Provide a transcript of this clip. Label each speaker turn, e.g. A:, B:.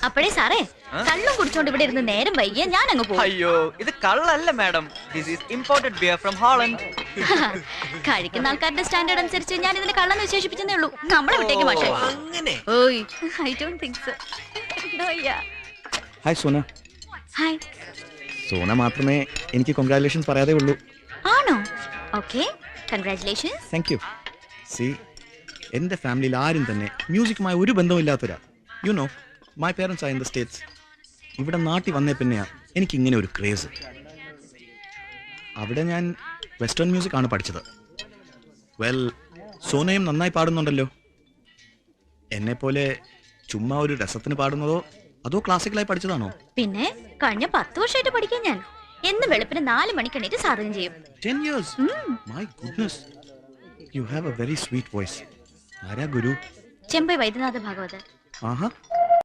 A: അപ്പോഴേ സാറേ കള്ളും കുടിച്ചോണ്ട് ഇവിടെ ഇരുന്ന് നേരം വൈകിയ ഞാൻ അങ്ങ് പോകും.
B: അയ്യോ ഇത് കള്ളല്ല madam, this is imported beer from Holland.
A: കഴിക്കുന്ന ആൾക്കാരുടെ സ്റ്റാൻഡേർഡ് അനുസരിച്ച് ഞാൻ ഇതിനെ കള്ളെന്ന് വിശേഷിപ്പിച്ചേ ഉള്ളൂ. നമ്മളെ വിട്ടേക്ക് മാഷേ. ഓയ് I don't think so.
C: Hi Sona.
A: Hi.
C: Sona മാത്രമേ എനിക്ക് കൺഗ്രാറ്റുലേഷൻസ് പറയാതെ ഉള്ളൂ.
A: ആണോ? Okay, congratulations.
C: Thank you. See, എൻ്റെ ഫാമിലിയിൽ ആരും തന്നെ മ്യൂസിക്കുമായി ഒരു ബന്ധമില്ലാത്തവരാ. You know, my parents are in the States. ഇവിടെ നാട്ടിൽ വന്നേ പിന്നെയാണ് എനിക്കിങ്ങനെ ഒരു ക്രേസ്. അവിടെ ഞാൻ വെസ്റ്റേൺ മ്യൂസിക് ആണ് പഠിച്ചത്. വെൽ, സോനയും നന്നായി പാടുന്നുണ്ടല്ലോ. എന്നെപ്പോലെ ചുമ്മാ ഒരു രസത്തിന് പാടുന്നതോ അതോ ക്ലാസിക്കലായി പഠിച്ചതാണോ?
A: പിന്നെ കഴിഞ്ഞ 10 വർഷമായിട്ട് പഠിക്കാൻ ഞാൻ എന്ന് വെളുപ്പിന് 4 മണിക്ക് എണീറ്റ് സാധകം ചെയ്യും.
C: 10 years? My goodness. You have a very sweet voice. ആരാ ഗുരു?
A: ചെമ്പൈ വൈദ്യനാഥ ഭാഗവതർ.
C: ആഹാ.